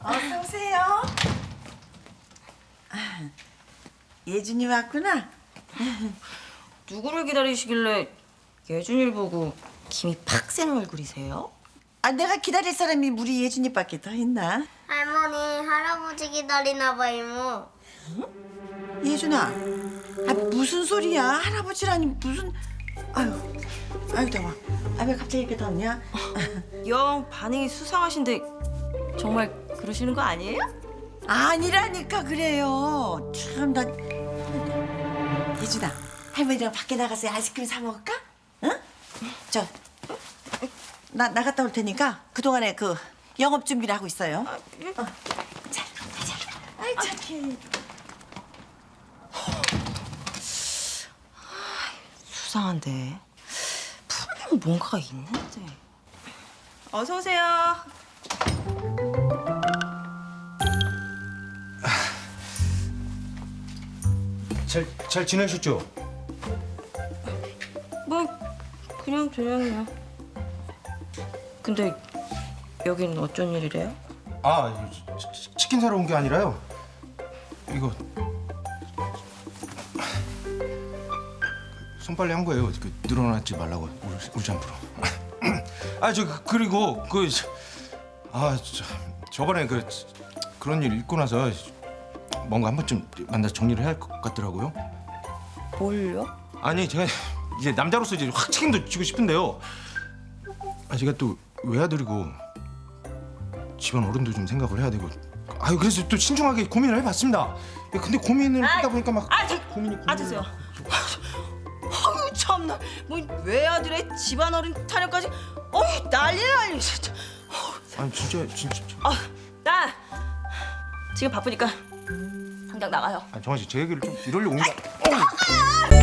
어서 오세요. 예준이 왔구나. 누구를 기다리시길래 예준이를 보고 김이 팍 새는 얼굴이세요? 아, 내가 기다릴 사람이 우리 예준이밖에 더 있나? 할머니, 할아버지 기다리나 봐, 이모. 예준아, 아, 무슨 소리야? 할아버지라니 무슨? 아유 더워. 아, 왜 갑자기 이렇게 덥냐? 영 반응이 수상하신데 정말 그러시는 거 아니에요? 아니라니까 그래요. 참 나. 예준아, 할머니랑 밖에 나가서 아이스크림 사 먹을까? 응? 나 나갔다 올 테니까 그 동안에 그 영업 준비를 하고 있어요. 자, 가자. 아이 착해. 수상한데 분명 뭔가가 있는데. 어서 오세요. 잘 지내셨죠? 뭐 그냥요. 근데 여긴 어쩐 일이래요? 아, 치킨 사러 온 게 아니라요. 이거 손빨래 한 거예요. 그 늘어나지 말라고 울지 않도록. 그리고 저번에 그런 일 있고 나서 뭔가 한 번쯤 만나서 정리를 해야 할 것 같더라고요. 뭘요? 아니 제가 이제 남자로서 이제 확 책임도 지고 싶은데요. 제가 또 외아들이고 집안 어른도 좀 생각을 해야 되고. 그래서 또 신중하게 고민을 해봤습니다. 근데 고민을 하다 보니까 막 고민이. 드세요. 아유 참나, 뭐 외아들의 집안어른 타령까지. 난리. 진짜. 아니 진짜. 나 지금 바쁘니까 당장 나가요. 정아 씨, 제 얘기를 좀 이러려고 온 거.